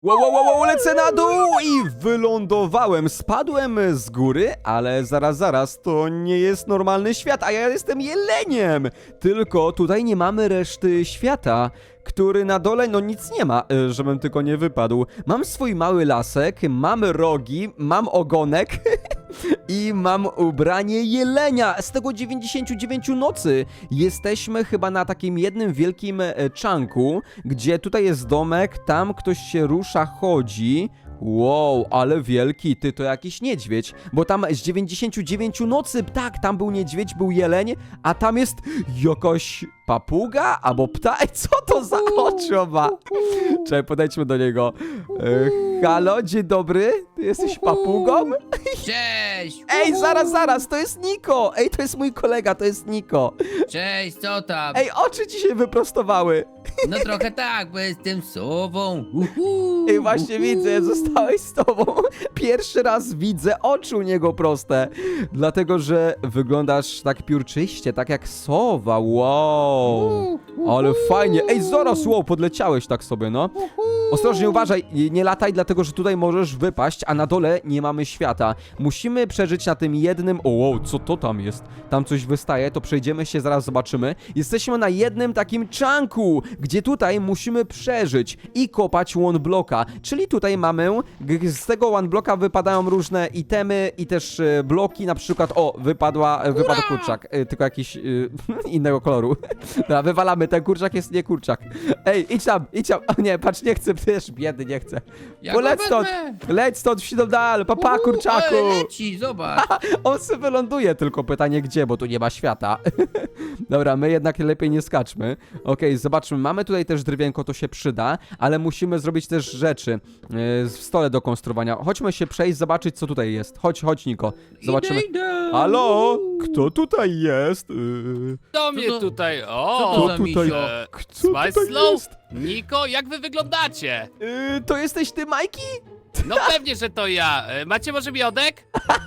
Wow, lecę na dół i wylądowałem. Spadłem z góry, ale zaraz, to nie jest normalny świat, a ja jestem jeleniem. Tylko tutaj nie mamy reszty świata, który na dole, no nic nie ma, żebym tylko nie wypadł. Mam swój mały lasek, mam rogi, mam ogonek i mam ubranie jelenia z tego 99 nocy. Jesteśmy chyba na takim jednym wielkim czanku, gdzie tutaj jest domek, tam ktoś się rusza, chodzi. Wow, ale wielki, ty to jakiś niedźwiedź, bo tam z 99 nocy, tak, tam był niedźwiedź, był jeleń, a tam jest jakaś papuga albo ptak, co to za oczy ma? Czekaj, podejdźmy do niego. Halo, dzień dobry, ty jesteś papugą? Cześć! Ej, zaraz, to jest Niko! Ej, to jest mój kolega, to jest Niko. Cześć, co tam? Ej, oczy ci się wyprostowały. No trochę tak, bo jestem sową. Ej, właśnie widzę, zostałeś z tobą. Pierwszy raz widzę oczy u niego proste. Dlatego, że wyglądasz tak piórczyście, tak jak sowa. Wow. Ale fajnie. Ej, zaraz, wow, podleciałeś tak sobie, no. Ostrożnie, uważaj, nie lataj, dlatego, że tutaj możesz wypaść, a na dole nie mamy świata. Musimy przeżyć na tym jednym... O, wow, co to tam jest? Tam coś wystaje, to przejdziemy się, zaraz zobaczymy. Jesteśmy na jednym takim czanku, gdzie tutaj musimy przeżyć i kopać one blocka. Czyli tutaj mamy, z tego one blocka wypadają różne itemy i też bloki, na przykład, o, wypadł kurczak, tylko jakiś innego koloru. Dobra, wywalamy, ten kurczak jest nie kurczak. Ej, idź tam, o nie, patrz, nie chcę, też biedny, nie chcę. Ja Bo go wezmę. leć stąd, wsiadł dalej, papa kurczaku. Ale leci, zobacz. On sobie wyląduje, tylko pytanie gdzie, bo tu nie ma świata. Dobra, my jednak lepiej nie skaczmy. Okej, zobaczmy, mamy tutaj też drewienko, to się przyda, ale musimy zrobić też rzeczy w stole do konstruowania. Chodźmy się przejść, zobaczyć co tutaj jest. Chodź Niko, zobaczymy. Idę. Halo? Kto tutaj jest? Do mnie to- tutaj, co o! to za misio? Kto Smile tutaj Slow? jest? Niko, jak wy wyglądacie? To jesteś ty, Majki? No pewnie, że to ja. Macie może miodek?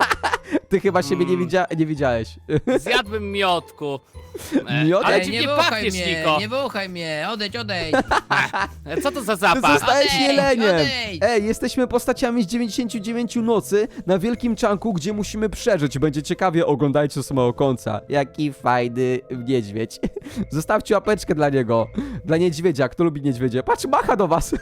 Ty chyba siebie nie widziałeś. Zjadłbym miodku. Miodek? Ale Ej, dziwnie nie wąchaj pachniesz, mnie, Niko. nie wąchaj mnie, odejdź. Co to za Ty zapach? zostałeś Odejdź, jeleniem! odejdź. Ej, jesteśmy postaciami z 99 nocy na wielkim czanku, gdzie musimy przeżyć. Będzie ciekawie, oglądajcie do samego końca. Jaki fajny niedźwiedź. Zostawcie łapeczkę dla niego. Dla niedźwiedzia, kto lubi niedźwiedzie. Patrz, macha do was.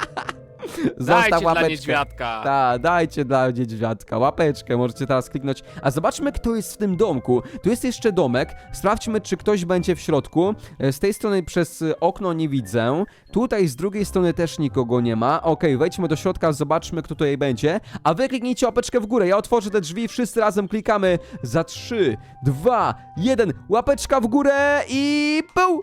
Dajcie dla łapeczkę. niedźwiadka. Tak, dajcie dla niedźwiadka łapeczkę, możecie teraz kliknąć. A zobaczmy, kto jest w tym domku. Tu jest jeszcze domek, sprawdźmy, czy ktoś będzie w środku. Z tej strony przez okno nie widzę. Tutaj z drugiej strony też nikogo nie ma. Okej, wejdźmy do środka, zobaczmy, kto tutaj będzie. A wy kliknijcie łapeczkę w górę, ja otworzę te drzwi, wszyscy razem klikamy. Za 3, 2, 1, łapeczka w górę i pół!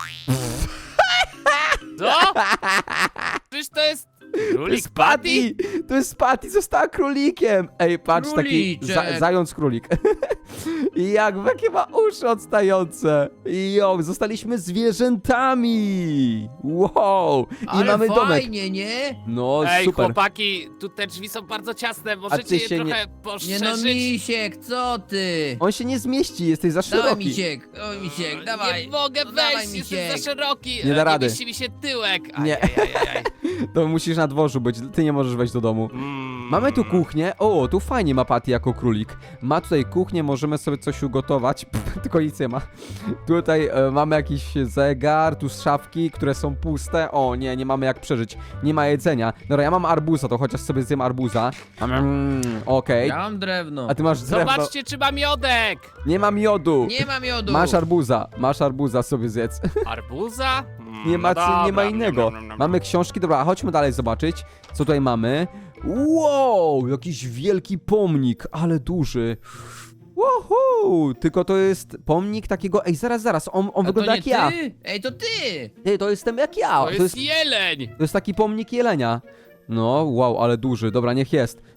Co? Czyż to jest To królik jest Patty! To jest Patty, została królikiem! Ej, patrz, taki Króliczek. zając królik. I jakie ma uszy odstające. Zostaliśmy zwierzętami! Wow! I Ale mamy domek. fajnie, nie? No, Ej, super. chłopaki, tu te drzwi są bardzo ciasne, możecie ty je się trochę Nie no, poszerzyć? misiek, co ty? On się nie zmieści, jesteś za Dawaj, szeroki. misiek, o misiek, dawaj. Nie mogę No dawaj, wejść, jestem misiek. za szeroki. Nie da rady. mieści mi się tyłek. Nie. Ajajajaj. To musisz na dworzu być, ty nie możesz wejść do domu. Mamy tu kuchnię. O, tu fajnie ma Patty jako królik. Ma tutaj kuchnię, możemy sobie coś ugotować. Tylko nic nie ma. Tutaj mamy jakiś zegar, tu szafki, które są puste. O nie, nie mamy jak przeżyć. Nie ma jedzenia. Dobra, ja mam arbuza, to chociaż sobie zjem arbuza. Okej. Ja mam drewno. A ty masz drewno. Zobaczcie, czy ma miodek. Nie ma miodu. Nie mam miodu. Masz arbuza sobie zjedz. Arbuza? Nie ma, No nie ma dobra. innego. Mamy książki, dobra, a chodźmy dalej zobaczyć, co tutaj mamy. Wow, jakiś wielki pomnik, ale duży. Woohoo! Tylko to jest pomnik takiego, ej, zaraz, on A wygląda to jak nie ja. ty? Ej, to ty! Ej, to jestem jak ja. To jest jeleń. To jest taki pomnik jelenia. No, wow, ale duży, dobra, niech jest.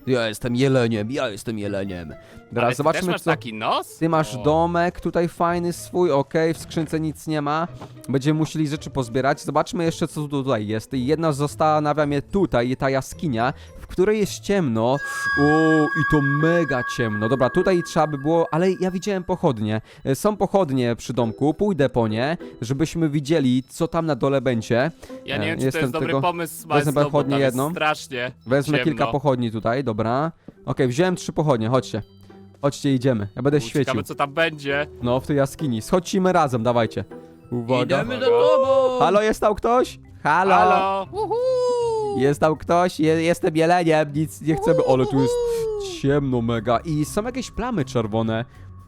Ja jestem jeleniem, ja jestem jeleniem. Dobra, Ale ty też zobaczmy masz co... taki nos? Ty masz O. domek tutaj fajny swój, okej, w skrzynce nic nie ma. Będziemy musieli rzeczy pozbierać. Zobaczmy jeszcze co tutaj jest. I jedna zastanawia mnie tutaj, ta jaskinia, w której jest ciemno. O, i to mega ciemno. Dobra, tutaj trzeba by było, ale ja widziałem pochodnie. Są pochodnie przy domku, pójdę po nie, żebyśmy widzieli co tam na dole będzie. Ja nie wiem, czy to Jestem jest dobry tego- pomysł, wezmę Smajslow, bo pochodnię tam jest jedną. strasznie Wezmę ciemno. kilka pochodni tutaj, dobra. Okej, wziąłem 3 pochodnie, chodźcie. Chodźcie, idziemy. Ja będę świecił. Ciekawe, co tam będzie. No, w tej jaskini. Schodzimy razem, dawajcie. Uwaga. Idziemy do tobą. Halo, jest tam ktoś? Halo. Halo? Uhu. Jest tam ktoś? Jestem jeleniem, nic nie chcemy. Ale tu jest ciemno mega. I są jakieś plamy czerwone.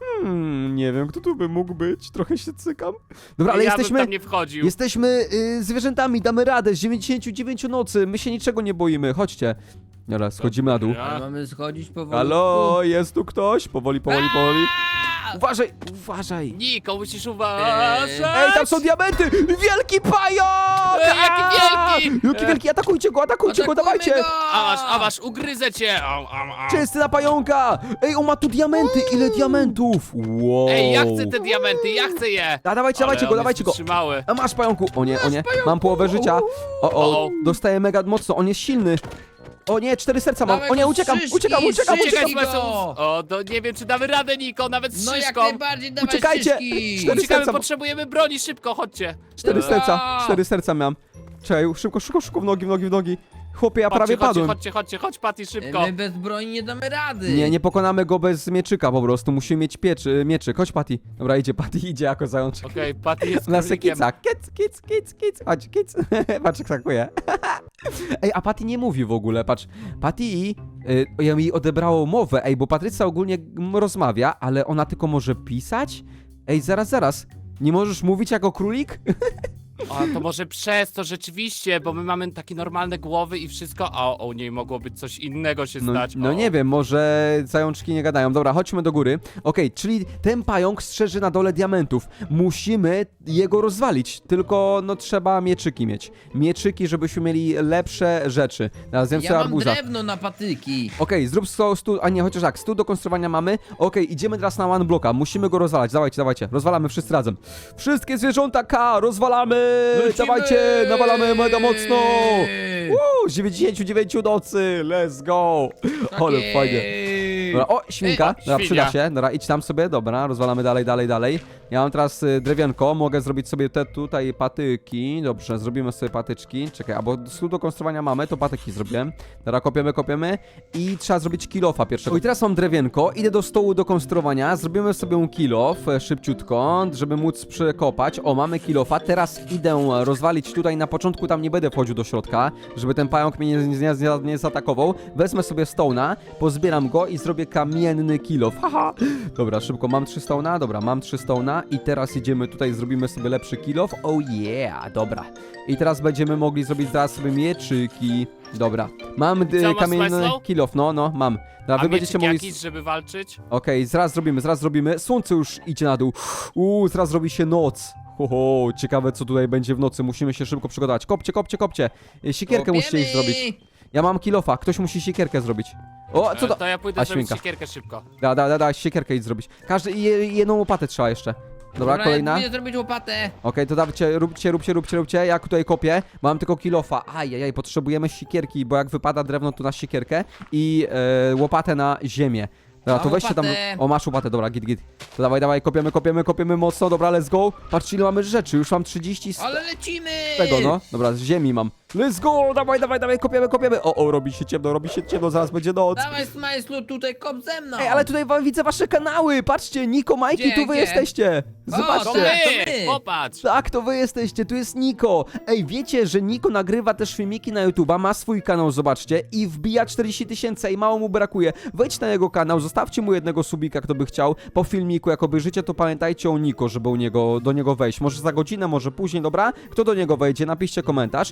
Nie wiem, kto tu by mógł być. Trochę się cykam. Dobra, ale ja jesteśmy... bym tam nie wchodził. Jesteśmy zwierzętami, damy radę z 99 nocy. My się niczego nie boimy. Chodźcie. Dobra, schodzimy na dół. Dobra. Ale mamy schodzić powoli. Halo, jest tu ktoś? Powoli, powoli, powoli. Uważaj, uważaj. Niko, musisz uważać! Ej, tam są diamenty! Wielki pająk! Jaki wielki! Jaki wielki, atakujcie go, Atakujmy dawajcie! go! A masz, ugryzę cię! Czysty na pająka! Ej, on ma tu diamenty, ile diamentów! Wow! Ej, ja chcę te diamenty, ja chcę je! Dawajcie, dawajcie go, dawajcie go! Trzymały. A masz pająku! O nie, mam połowę życia. O. Dostaję mega mocno, on jest silny. O nie, 4 serca mam. Dawaj O nie, go, uciekam. szyszki, Uciekaj, szyszki Smajslow! go! O, to nie wiem, czy damy radę, Niko, nawet z No jak szyszką. najbardziej, dawaj Uciekajcie! szyszki. Cztery Uciekamy, serca. potrzebujemy broni, szybko, chodźcie. 4 Dobra. serca, 4 serca miałem. Czekaj, szybko, w nogi. Chłopie, ja prawie padłem. Chodź, Patty, szybko. My bez broni nie damy rady. Nie pokonamy go bez mieczyka po prostu. Musimy mieć mieczyk. Chodź, Patty. Dobra, idzie Patty, idzie jako zajączek. Okej, Patty jest Na królikiem. sekica. Kic. Chodź, kic. Patrz, jak sakuje. Ej, a Patty nie mówi w ogóle, patrz. Patty, ja mi odebrało mowę, ej, bo Patrycja ogólnie rozmawia, ale ona tylko może pisać? Ej, zaraz. Nie możesz mówić jako królik? O, to może przez to rzeczywiście, bo my mamy takie normalne głowy i wszystko, a u niej mogło być coś innego się stać. No O. nie wiem, może zajączki nie gadają. Dobra, chodźmy do góry. Okej, czyli ten pająk strzeży na dole diamentów. Musimy jego rozwalić, tylko no trzeba mieczyki mieć. Mieczyki, żebyśmy mieli lepsze rzeczy. Teraz zjem Ja sobie mam arbuza. drewno na patyki. Okej, zrób stół, a nie, chociaż tak, stół do konstruowania mamy. Okej, idziemy teraz na one blocka, musimy go rozwalać, dawajcie. Rozwalamy wszyscy razem. Wszystkie zwierząta K, rozwalamy! Lecimy! Dawajcie, nawalamy mega mocno! Z 99 nocy, let's go! Tak Ale jest. fajnie. Dobra, o, świnka, dobra, świnia. przyda się, dobra, idź tam sobie, dobra, rozwalamy dalej. Ja mam teraz drewienko, mogę zrobić sobie te tutaj patyki, dobrze, zrobimy sobie patyczki, czekaj, albo stół do konstruowania mamy, to patyki zrobiłem, dobra, kopiemy i trzeba zrobić kilofa pierwszego. I teraz mam drewienko, idę do stołu do konstruowania, zrobimy sobie kilof szybciutko, żeby móc przekopać, o, mamy kilofa, teraz idę rozwalić tutaj, na początku tam nie będę wchodził do środka, żeby ten pająk mnie nie zaatakował, wezmę sobie stone'a, pozbieram go i zrobię kamienny kilof, haha, dobra, szybko, mam 3 stone'a, dobra, mam 3 stone'a i teraz idziemy tutaj, zrobimy sobie lepszy kilof, oh yeah, dobra, i teraz będziemy mogli zrobić zaraz sobie mieczyki, dobra, mam Co masz, kamienny Smajslow? kilof, no, mam, dobra, A wy będziecie mieczyk mogli... jakiś, żeby walczyć? Okej, zaraz zrobimy. Słońce już idzie na dół. Zaraz robi się noc. Ciekawe co tutaj będzie w nocy. Musimy się szybko przygotować. Kopcie. Siekierkę musicie iść Kopiemy. zrobić. Ja mam kilofa, ktoś musi siekierkę zrobić. O, co to? To ja pójdę A, zrobić świnka. siekierkę szybko. Da, siekierkę idź zrobić. Każdy, jedną łopatę trzeba jeszcze. Dobra, kolejna. Ja Okej, pójdę zrobić łopatę. to dawajcie, róbcie. Ja tutaj kopię. Mam tylko kilofa. Ajajaj, potrzebujemy siekierki, bo jak wypada drewno, to na siekierkę i łopatę na ziemię. Dobra, Mam to weźcie tam. łopatę. O, masz łopatę, dobra, git. To dawaj, kopiemy mocno, dobra, let's go. Patrzcie, ile mamy rzeczy, już mam 30 z Ale lecimy. tego, no. Dobra, z ziemi mam. Let's go, dawaj, kopiemy. O, robi się ciemno, zaraz będzie noc. Dawaj, Smajslu, tutaj kop ze mną. Ej, ale tutaj widzę wasze kanały, patrzcie, Niko, Majki, Gdzie, tu wy gdzie? jesteście. O, To Zobaczcie. tak. my! my. Popatrz! Tak, to wy jesteście, tu jest Niko. Ej, wiecie, że Niko nagrywa też filmiki na YouTube'a, ma swój kanał, zobaczcie, i wbija 40 000 i mało mu brakuje. Wejdź na jego kanał, zostawcie mu jednego subika, kto by chciał. Po filmiku, jak obejrzycie, to pamiętajcie o Niko, żeby do niego wejść. Może za godzinę, może później, dobra? Kto do niego wejdzie, napiszcie komentarz. I Niko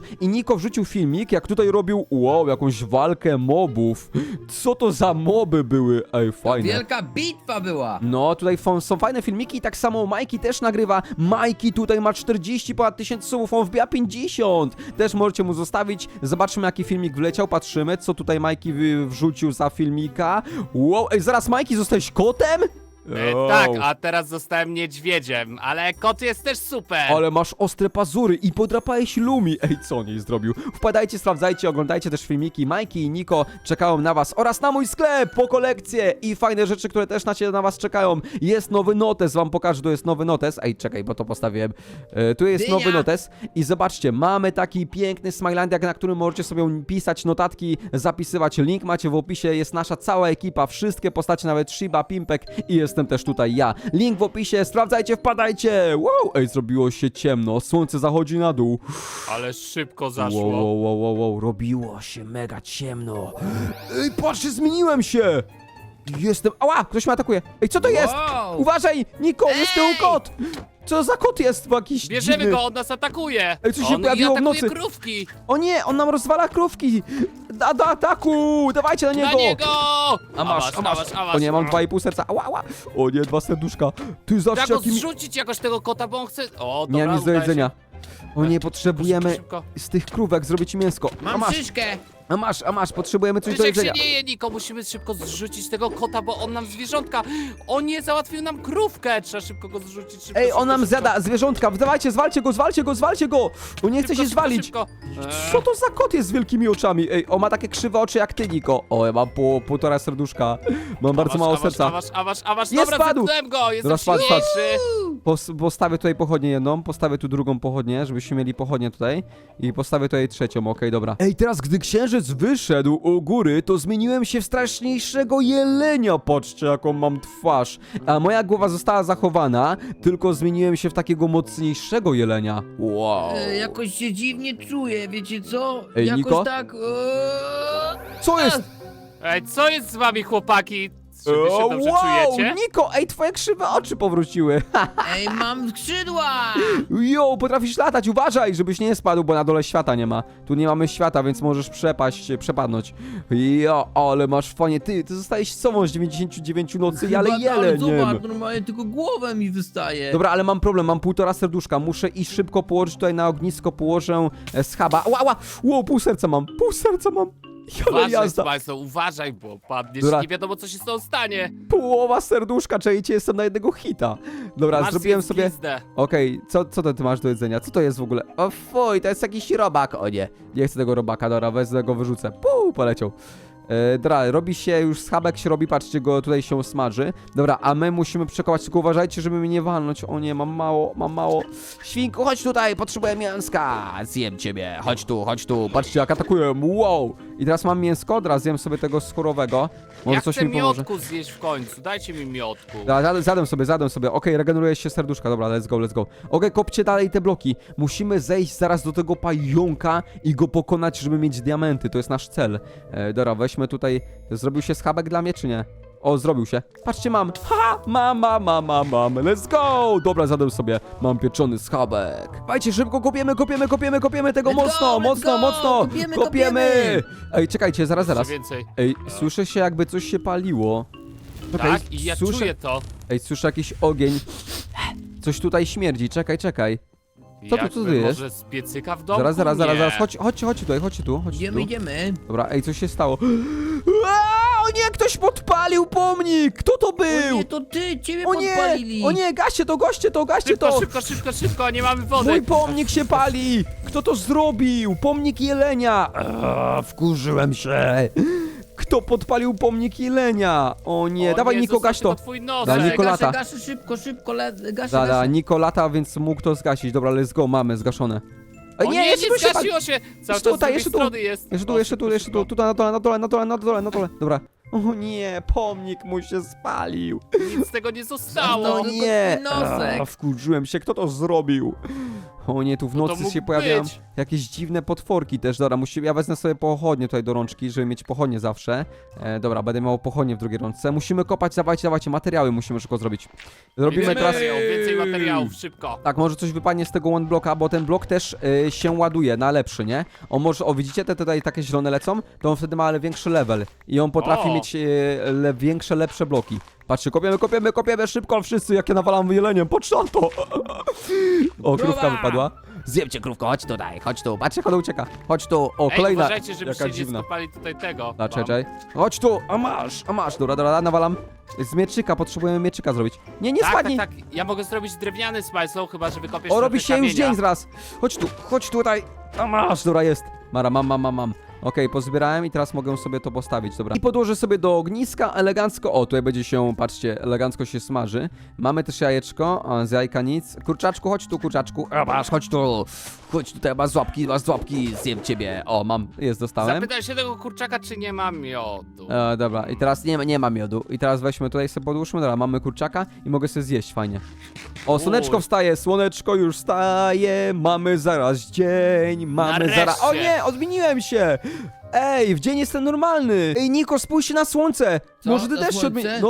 Niko wrzucił filmik, jak tutaj robił, wow, jakąś walkę mobów. Co to za moby były? Ej, fajne. Wielka bitwa była. No, tutaj są fajne filmiki, tak samo Majki też nagrywa. Majki tutaj ma 40 ponad 1000 subów, on wbija 50. Też możecie mu zostawić. Zobaczymy, jaki filmik wleciał, patrzymy, co tutaj Majki wrzucił za filmika. Wow, ej, zaraz Majki, zostałeś kotem? Tak, a teraz zostałem niedźwiedziem, ale kot jest też super. Ale masz ostre pazury i podrapałeś Lumi. Ej, co on jej zrobił? Wpadajcie, sprawdzajcie, oglądajcie też filmiki. Majki i Niko czekają na was oraz na mój sklep po kolekcję i fajne rzeczy, które też na was czekają. Jest nowy notes, wam pokażę, tu jest nowy notes. Ej, czekaj, bo to postawiłem. Tu jest Dynia. nowy notes i zobaczcie, mamy taki piękny Smilandiak, na którym możecie sobie pisać notatki, zapisywać. Link macie w opisie, jest nasza cała ekipa, wszystkie postacie, nawet Shiba, Pimpek i jestem też tutaj ja. Link w opisie, sprawdzajcie, wpadajcie! Wow, ej, zrobiło się ciemno, słońce zachodzi na dół. Ale szybko zaszło. Wow, robiło się mega ciemno. Ej, patrzcie, zmieniłem się! Jestem... Ała, ktoś mnie atakuje. Ej, co to jest? Wow. Uważaj, Niko, jest tyłu Ej! kot! Co za kot jest jakiś Bierzemy dziwny? go, on nas atakuje. Ej, co się on pojawiło w atakuje nocy? krówki. O nie, on nam rozwala krówki! Do ataku! Dawajcie na niego! Na niego! A masz. O nie, mam 2,5 serca. Ała, ała. O nie, 2 serduszka. Ty Trzeba zobaczcie, go jaki... zrzucić jakoś tego kota, bo on chce... O, dobra, Miałem nic do udaje jedzenia. O nie, Szybko, potrzebujemy szybko. z tych krówek zrobić mięsko. Mam szyszkę. A masz, potrzebujemy coś Wiesz, do jak się jedzenia. nie je, Niko, musimy szybko zrzucić tego kota, bo on nam zwierzątka... On nie załatwił nam krówkę, trzeba szybko go zrzucić, szybko, Ej, szybko, on nam szybko. zjada zwierzątka, dawajcie, zwalcie go! On nie chce Szybko, się szybko, zwalić. szybko. Co to za kot jest z wielkimi oczami? Ej, on ma takie krzywe oczy jak ty, Niko. O, ja mam półtora serduszka. Mam bardzo mało serca. Awasz, Jest, dobra, spadł. zepnąłem go, jestem Dobra, spadł. silniejszy. Postawię tutaj pochodnię jedną, postawię tu drugą pochodnię, żebyśmy mieli pochodnię tutaj. I postawię tutaj trzecią, okej, dobra. Ej, teraz gdy księżyc wyszedł u góry, to zmieniłem się w straszniejszego jelenia. Patrzcie, jaką mam twarz. A moja głowa została zachowana, tylko zmieniłem się w takiego mocniejszego jelenia. Wow. Jakoś się dziwnie czuję, wiecie co? Ej, Jakoś Niko? tak... Co jest? Ej, co jest z wami, chłopaki? Czy wy się dobrze czujecie? Niko, ej, twoje krzywe oczy powróciły. Ej, mam skrzydła! Jo, potrafisz latać, uważaj, żebyś nie spadł, bo na dole świata nie ma. Tu nie mamy świata, więc możesz przepadnąć. Jo, ale masz fajnie. Ty zostałeś sobą z 99 nocy, ale Chyba tak, jeleniem. zobacz, normalnie tylko głowa mi wystaje. Dobra, ale mam problem, mam 1,5 serduszka. Muszę iść szybko położyć tutaj na ognisko, położę schaba. Ła, wow, pół serca mam. Ale Uważaj, jazda. Państwo, uważaj, bo padniesz Dobra. i nie wiadomo, co się z tą stanie. Połowa serduszka, czajcie, jestem na jednego hita. Dobra, Masz zrobiłem zjedz sobie... glizdę. Okej, co ty masz do jedzenia? Co to jest w ogóle? O fuj, to jest jakiś robak. O nie, nie chcę tego robaka, dobra, wezmę go, wyrzucę. Poleciał. Dobra, robi się już schabek, się robi, patrzcie, go tutaj się smaży. Dobra, a my musimy przekować, tylko uważajcie, żeby mnie nie walnąć. O nie, mam mało. Świnku, chodź tutaj, potrzebuję mięska. Zjem ciebie, chodź tu. Patrzcie, jak atakuję, wow. I teraz mam mięsko, teraz zjem sobie tego skórowego. Może Ja coś chcę mi pomoże. miodku zjeść w końcu, dajcie mi miodku. Dobra, zjadłem sobie. Okej, regeneruje się serduszka. Dobra, let's go. Okej, kopcie dalej te bloki. Musimy zejść zaraz do tego pająka i go pokonać, żeby mieć diamenty. To jest nasz cel. Dobra, weźmy tutaj. Zrobił się schabek dla mnie, czy nie? O, zrobił się. Patrzcie, mam. Ha! Mam. Let's go! Dobra, zjadłem sobie. Mam pieczony schabek. Dajcie, szybko kopiemy tego Let's go, mocno. kopiemy. Ej, czekajcie, zaraz. Jeszcze więcej. Ej, słyszę się, jakby coś się paliło. Czekaj, Tak, i ja czuję to. Ej, słyszę jakiś ogień. Coś tutaj śmierdzi, czekaj. Co tu Jakby jest? może z piecyka w domu? Zaraz. Nie. Chodź tu. Idziemy. Dobra, ej, coś się stało. O nie, ktoś podpalił pomnik! Kto to O był? nie, to ty, ciebie O nie, podpalili. gaście to! Szybko, nie mamy wody. Mój pomnik się pali! Kto to zrobił? Pomnik jelenia! Wkurzyłem się! Kto podpalił pomnik jelenia? O nie, O dawaj nie, Niko, gaś zostawcie to! twój Dobra, nosek. Niko lata. Gaszę, szybko, gaszę. Dobra, Niko lata, więc mógł to zgasić. Dobra, let's go, mamy zgaszone. Ej, O nie, jeszcze tu się pali! zgasiło się. Cały Jeszcze czas tutaj, z drugiej jeszcze tu. strony jest. Jeszcze tu, Szybko. tutaj na dole. Dobra. O nie, pomnik mu się spalił. Nic z tego nie zostało. No, No tylko nie. twój nosek. Wkurzyłem się, kto to zrobił? O nie, tu w No to nocy mógł się pojawiają być. jakieś dziwne potworki też. Dobra, ja wezmę sobie pochodnie tutaj do rączki, żeby mieć pochodnie zawsze. Dobra, będę miał pochodnie w drugiej rączce. Musimy kopać, dawajcie, materiały musimy szybko zrobić. Zrobimy Więcej teraz... materiałów, więcej materiałów, szybko. Tak, może coś wypadnie z tego one blocka, bo ten blok też się ładuje na lepszy, nie? On może, widzicie, te tutaj takie zielone lecą? To on wtedy ma większy level i on potrafi O! mieć większe, lepsze bloki. Patrzcie, kopiemy szybko wszyscy, jak ja nawalam jeleniem, patrz na to! O, krówka Krowa! wypadła. Zjemcie krówko, chodź tu, patrzcie, jak ona ucieka. Chodź tu, o, Ej, kolejna. uważajcie, żebyście Jaka nie dziwna. skopali tutaj tego. A, czekaj. Chodź tu, a masz, dobra, nawalam. Z mieczyka, potrzebujemy mieczyka zrobić. Nie Tak, spadnij. tak. Ja mogę zrobić drewniany smajslow, chyba że wykopiesz O, robi trochę się już kamienia. dzień zaraz. Chodź tutaj. A masz, dobra jest. Mara, mam. Okej, pozbierałem i teraz mogę sobie to postawić, dobra. I podłożę sobie do ogniska elegancko. O, tutaj będzie się, patrzcie, elegancko się smaży. Mamy też jajeczko, a z jajka nic. Kurczaczku, chodź tu, kurczaczku. A masz, chodź tu. Chodź tutaj, masz łapki, zjem ciebie. O, mam, dostałem. Zapytaj się tego kurczaka, czy nie mam miodu. Dobra, i teraz nie ma miodu. I teraz weźmy tutaj sobie podłóżmy, dobra, mamy kurczaka i mogę sobie zjeść, fajnie. O, słoneczko wstaje, słoneczko już wstaje, mamy zaraz dzień, mamy zaraz... O Nareszcie. nie, odmieniłem się! Ej, w dzień jestem normalny! Ej, Niko, spójrz się na słońce! Co, Może ty to też się słońce? odmienisz... No,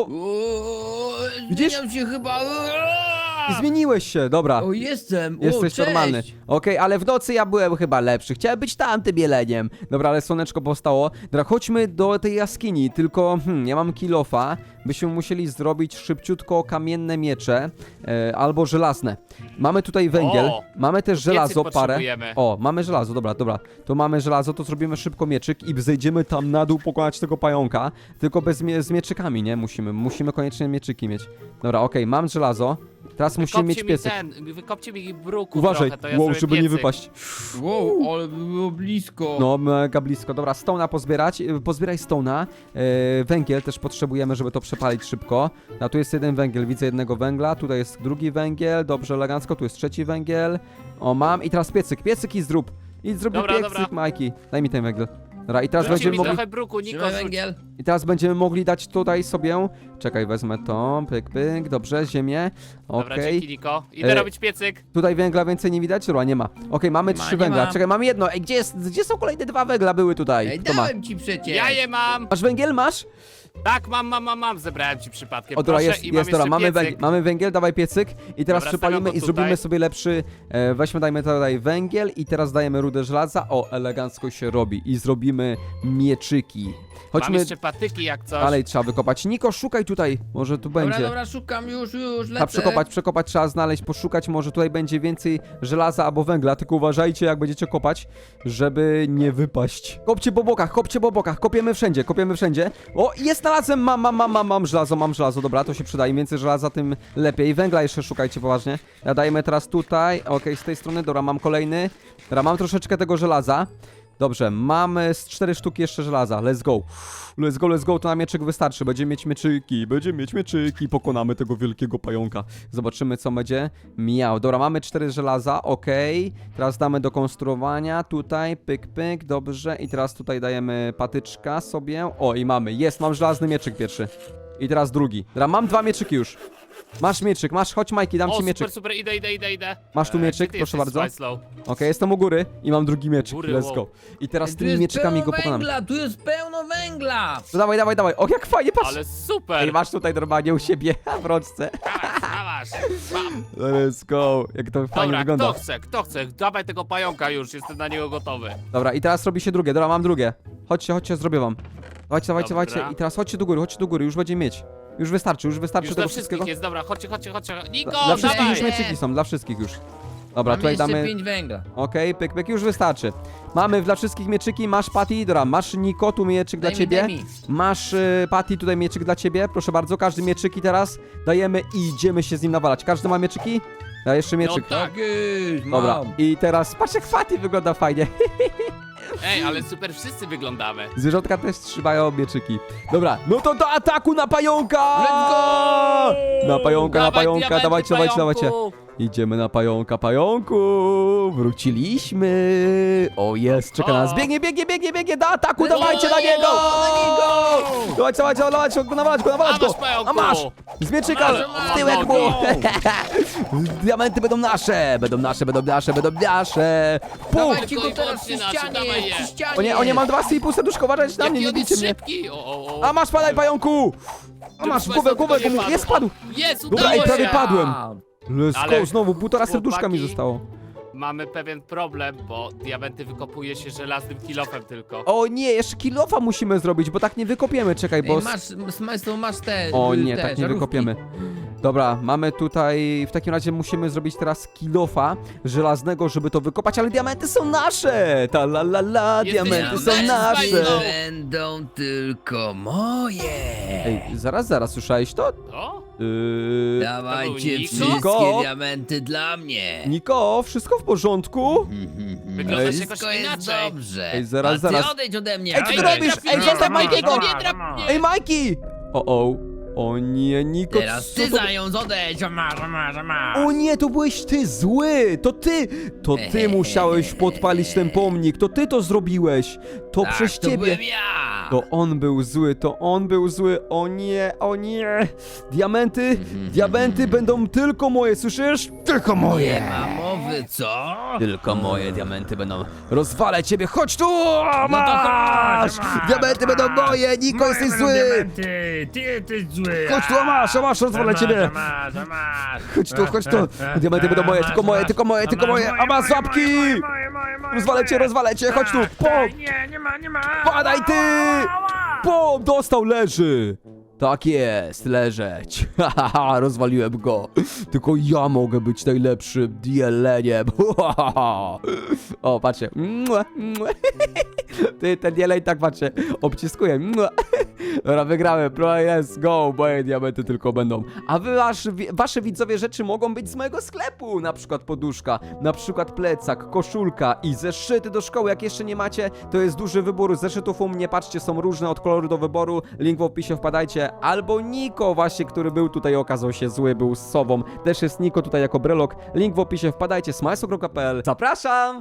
Widzisz? Zmieniam się chyba. zmieniłeś się, dobra. O, jestem. Jesteś cześć. normalny. Okej, ale w nocy ja byłem chyba lepszy. Chciałem być tamtym jeleniem. Dobra, ale słoneczko powstało. Dobra, chodźmy do tej jaskini. Tylko, ja mam kilofa. Byśmy musieli zrobić szybciutko kamienne miecze albo żelazne. Mamy tutaj węgiel. O, mamy też piecyk żelazo, parę. potrzebujemy. O, mamy żelazo, dobra. To mamy żelazo, to zrobimy szybko mieczyk i zejdziemy tam na dół pokonać tego pająka. Tylko z mieczykami, nie? Musimy koniecznie mieczyki mieć. Dobra, okej, mam żelazo. Teraz musimy mieć piecyk. Wykopcie mi bruku Uważaj, trochę, to ja wow, zrobię żeby nie piecyk. wypaść. Wow, ale było blisko. No, mega blisko. Dobra, stone'a pozbierać. Pozbieraj stone'a. Węgiel też potrzebujemy, żeby to przepalić szybko. A tu jest jeden węgiel, widzę jednego węgla. Tutaj jest drugi węgiel, dobrze, elegancko. Tu jest trzeci węgiel. O, mam. I teraz piecyk i zrób. I zrób mi Dobra, piecyk, dobra. Majki. Daj mi ten węgiel. Dobra, i teraz Rzućcie będziemy mi mogli... trochę bruku, Niko, Trzymaj rzuć. węgiel. I teraz będziemy mogli dać tutaj sobie... Czekaj, wezmę to. Pyk, dobrze, ziemię. Dobra, Okej. dzięki, Niko. Idę robić piecyk. Tutaj węgla więcej nie widać? Dobra, nie ma. Okej, mamy Nie ma, 3 nie węgla. ma. Czekaj, mam jedno. Ej, gdzie są kolejne 2 węgla były tutaj? Ej, Kto ma? dałem ci przecież. Ja je mam. Masz węgiel? Masz? Tak, mam. Zebrałem ci przypadkiem. O, dobra, Proszę, jest, i mam dobra, jeszcze mamy, piecyk. mamy węgiel, dawaj piecyk i teraz Dobra, przypalimy stawiam i go zrobimy tutaj. sobie lepszy, dajmy tutaj węgiel i teraz dajemy rudę żelaza, o, elegancko się robi i zrobimy mieczyki. Mam Chodźmy, jeszcze patyki jak coś. dalej trzeba wykopać. Niko, szukaj tutaj, może tu będzie. Dobra, szukam już, Trzeba lecę. przekopać, trzeba znaleźć, poszukać, może tutaj będzie więcej żelaza albo węgla, tylko uważajcie jak będziecie kopać, żeby nie wypaść. Kopcie po bokach, kopiemy wszędzie. O, jest, znalazłem, mam żelazo, dobra, to się przyda, im więcej żelaza, tym lepiej. Węgla jeszcze szukajcie poważnie. Ja dajemy teraz tutaj, okej, z tej strony, dobra, mam kolejny, dobra, mam troszeczkę tego żelaza. Dobrze, mamy z 4 sztuki jeszcze żelaza. Let's go, to na mieczek wystarczy. Będziemy mieć mieczyki, pokonamy tego wielkiego pająka. Zobaczymy, co będzie miał. Dobra, mamy 4 żelaza, okej. Teraz damy do konstruowania, tutaj, pyk, dobrze. I teraz tutaj dajemy patyczka sobie. O, i mam żelazny mieczyk pierwszy. I teraz drugi. Dobra, mam 2 mieczyki już. Masz mieczyk, chodź Majki, dam O, ci mieczyk. super, idę. Masz tu mieczyk? Gdzie ty Proszę jesteś, bardzo. Smajslow? Okej, jestem u góry i mam drugi mieczyk, Góry, let's wow. go. I teraz Tu tymi jest mieczykami pełno go pokonamy. węgla, tu jest pełno węgla. To dawaj. O, jak fajnie, patrz! Ale super. Ej, masz tutaj normalnie u siebie w rączce. Dawasz. Bam. Let's go, jak to fajnie Dobra, wygląda. kto chce? Dawaj tego pająka już, jestem na niego gotowy. Dobra, i teraz robi się drugie, dobra, mam drugie. Chodźcie, zrobię wam. Dawajcie. Dobra. I teraz chodźcie do góry, już będziemy mieć. Już wystarczy Już tego dla wszystkiego. wszystkich jest, dobra, chodźcie. Niko, Dla wszystkich dawaj. już mieczyki są, dla wszystkich już. Dobra, Mam tutaj jeszcze damy... 5 węgla. Okej, pyk, już wystarczy. Mamy dla wszystkich mieczyki, masz Patty, dobra, masz Niko, tu mieczyk dla ciebie. Daj mi. Masz Patty, tutaj mieczyk dla ciebie, proszę bardzo, każdy mieczyki teraz dajemy i idziemy się z nim nawalać. Każdy ma mieczyki? Ja jeszcze mieczyk. No tak. Tak jest, Dobra, mam. i teraz patrz jak Patty wygląda fajnie. Ej, ale super, wszyscy wyglądamy. Zwierzątka też trzymają mieczyki. Dobra, no to do ataku na pająka! Let's go! Na pająka, Dawaj, diamenty, dawajcie. pająku. Idziemy na pająka, pająku! Wróciliśmy! O, jest, czeka nas. Biegnie, do ataku, dawajcie na niego! Dawajcie, nawalać go! A masz, pająku! A masz! Z mieczyka w tyłek mu! Diamenty będą nasze! Będą nasze! Pum! Dawajcie go Tylko i teraz przy wyłącznie nasze, ścianie, dawaj je. przy ścianie. O nie, mam 2,5 serduszka, uważajcie na mnie, nie Jaki on bijcie jest mnie! szybki! O. A masz, padaj, pająku! A masz, Żeby głowę, tylko nie padł. jest, padł! Jest, Dobra, udało ej, prawie się! padłem. Let's Ale go, znowu, 1,5 serduszka mi chłopaki- zostało. Mamy pewien problem, bo diamenty wykopuje się żelaznym kilofem tylko. O nie, jeszcze kilofa musimy zrobić, bo tak nie wykopiemy, czekaj, bo... Ej, masz te. O nie, te tak nie żarówki. wykopiemy. Dobra, mamy tutaj, w takim razie musimy zrobić teraz kilofa żelaznego, żeby to wykopać, ale diamenty są nasze! Ta la la la, Jesteś diamenty są nasz, nasze! Spajno. Będą tylko moje. Ej, zaraz, słyszałeś to? O? Dawajcie To był Niko? wszystkie diamenty dla mnie. Niko, wszystko w porządku? Wyglądasz Ej, jakoś Wszystko jest inaczej. dobrze. Ej, zaraz, A ty zaraz. odejdź ode mnie. Ej, co Ej, ty robisz? Ej, zostaw Majkiego! Nie drap mnie! Ej, Majki! O nie, Niko, Teraz co ty to... zając, odejdź. Masz. O nie, to byłeś ty zły! To ty musiałeś podpalić ten pomnik, to ty to zrobiłeś! To Tak, przez to ciebie! byłem ja. To on był zły, o nie! Diamenty będą tylko moje, słyszysz? Tylko Nie moje! ma mowy, co? Tylko moje diamenty będą. Rozwalę ciebie, chodź tu! No Masz! Diamenty będą moje, Niko, jesteś zły! Ty jesteś zły! Chodź tu, masz, rozwalę ciebie! Chodź tu! Diamenty będą moje, tylko moje! A masz łapki! Rozwalę cię, chodź tu! Pom! Nie ma! Padaj ty! Pom! Dostał, leży! Tak jest, leżeć. Haha, rozwaliłem go. Tylko ja mogę być najlepszym jeleniem. O, patrzcie. Ty, ten jeleń tak, patrzcie, obciskuje. Dobra, wygrałem. Let's go. Moje diamenty tylko będą. A wy, wasze widzowie rzeczy mogą być z mojego sklepu. Na przykład poduszka, na przykład plecak, koszulka i zeszyty do szkoły. Jak jeszcze nie macie, to jest duży wybór zeszytów u mnie. Patrzcie, są różne od koloru do wyboru. Link w opisie, wpadajcie. Albo Niko właśnie, który był tutaj, okazał się zły, był z sobą. Też jest Niko tutaj jako brelok. Link w opisie, wpadajcie, smajsokro.pl. Zapraszam!